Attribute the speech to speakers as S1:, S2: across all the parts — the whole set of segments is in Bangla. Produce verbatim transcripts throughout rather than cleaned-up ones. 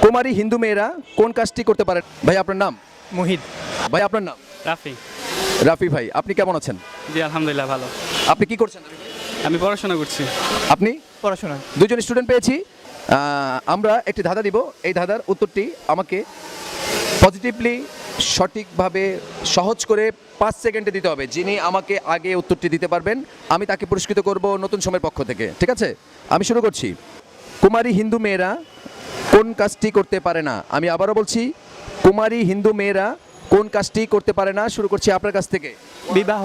S1: কুমারী হিন্দু মেয়েরা কোন কাজটি করতে পারে? ভাই আপনার নাম?
S2: মুহিত।
S1: ভাই আপনার নাম?
S2: রাফি।
S1: রাফি ভাই, আপনি কেমন আছেন?
S2: জি আলহামদুলিল্লাহ ভালো।
S1: আপনি কি করছেন?
S2: আমি পড়াশোনা করছি।
S1: আপনি?
S2: পড়াশোনা।
S1: দুজন স্টুডেন্ট পেয়েছি। আহ, আমরা একটি ধাঁধা দিব, এই ধাঁধার উত্তরটি আমাকে পজিটিভলি সঠিকভাবে সহজ করে পাঁচ সেকেন্ডে দিতে হবে। যিনি আমাকে আগে উত্তরটি দিতে পারবেন আমি তাকে পুরস্কৃত করব নতুন সময়ের পক্ষ থেকে, ঠিক আছে? আমি শুরু করছি। কুমারী হিন্দু মেয়েরা কোন কাজটি করতে পারে না? আমি আবারও বলছি, কুমারী হিন্দু মেয়েরা কোন কাজটি করতে পারে না? শুরু করছি আপনার কাছ থেকে।
S2: বিবাহ।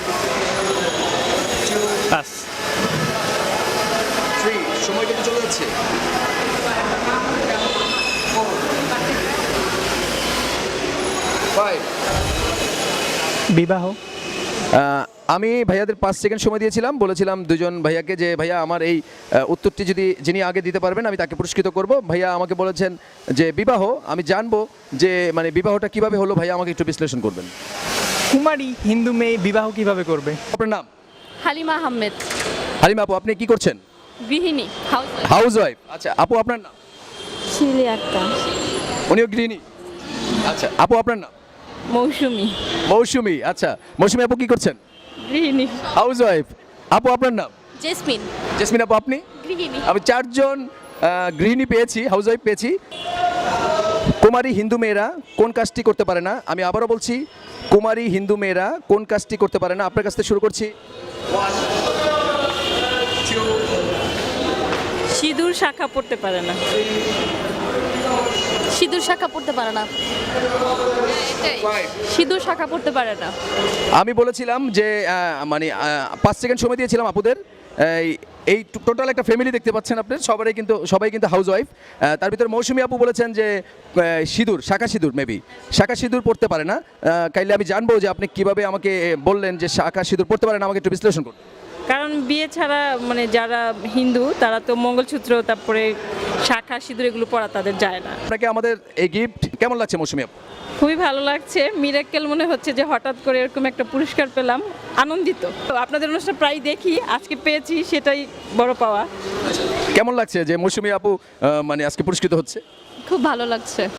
S2: পাস।
S1: সময় কিন্তু চলে যাচ্ছে।
S2: বিবাহ।
S1: আহ, আমি ভাইয়াদের পাঁচ সেকেন্ড সময় দিয়েছিলাম, বলেছিলাম দুজন ভাইয়াকে যে ভাইয়া আমার এই আহ, উত্তরটি যদি যিনি আগে দিতে পারবেন আমি তাকে পুরস্কৃত করব। ভাইয়া আমাকে বলেছেন যে বিবাহ। আমি জানবো যে মানে বিবাহটা কিভাবে হলো, ভাইয়া আমাকে একটু বিশ্লেষণ করবেন।
S2: কুমারী হিন্দু মেয়ে বিবাহ কিভাবে করবে?
S1: আপনার নাম?
S3: হালিমা আহমেদ।
S1: হালিমা আপু, আপনি কি করছেন?
S3: গৃহিণী, হাউস
S1: হাউস ওয়াইফ। আচ্ছা আপু আপনার নাম?
S3: শিলি আক্তার।
S1: উনিও গৃহিণী। আচ্ছা আপু আপনার নাম?
S3: মৌসুমী।
S1: মৌসুমী। আচ্ছা মৌসুমী আপু কি করছেন?
S3: গৃহিণী।
S1: Housewife. আপু আপনার নাম?
S3: জেসমিন।
S1: জেসমিন আপু আপনি?
S3: গৃহিণী।
S1: আমি চারজন আহ, গৃহিণী পেয়েছি, হাউস ওয়াইফ পেয়েছি। কুমারী হিন্দু মেয়েরা কোন কাজটি করতে পারে না? আমি আবারও বলছি, কুমারী হিন্দু মেয়েরা কোন কাজটি করতে পারে না? আপনার কাছ থেকে শুরু করছি।
S3: সিঁদুর শাখা পড়তে পারে না। সিঁদুর শাখা পড়তে পারে না। সিঁদুর শাখা পড়তে পারে না।
S1: আমি বলেছিলাম যে আহ, মানে আহ, পাঁচ সেকেন্ড সময় দিয়েছিলাম আপুদের। এই এই টোটাল একটা ফ্যামিলি দেখতে পাচ্ছেন আপনি, সবাই কিন্তু সবাই কিন্তু হাউস ওয়াইফ। তার ভিতরে মৌসুমী আপু বলেছেন যে আহ, সিঁদুর, শাখা সিঁদুর, মেবি শাখা সিঁদুর পড়তে পারে না। আহ, কাইলে আমি জানবো যে আপনি কিভাবে আমাকে বললেন যে শাখা সিঁদুর পড়তে পারে না, আমাকে একটু বিশ্লেষণ করুন।
S4: কারণ বিয়ে ছাড়া মানে যারা হিন্দু তারা তো মঙ্গলসূত্র তারপরে শাখা সিঁদুর এগুলো পরা তাদের যায় না।
S1: আপনাকে আমাদের এই গিফট কেমন লাগছে মৌসুমী আপু?
S4: খুবই ভালো লাগছে, মিরাক্কেল মনে হচ্ছে যে হঠাৎ করে এরকম একটা পুরস্কার পেলাম, আনন্দিত। তো আপনাদের অনুষ্ঠান প্রায় দেখি, আজকে পেয়েছি সেটাই বড় পাওয়া।
S1: কেমন লাগছে যে মৌসুমী আপু আহ, মানে আজকে পুরস্কৃত হচ্ছে?
S3: খুব ভালো লাগছে।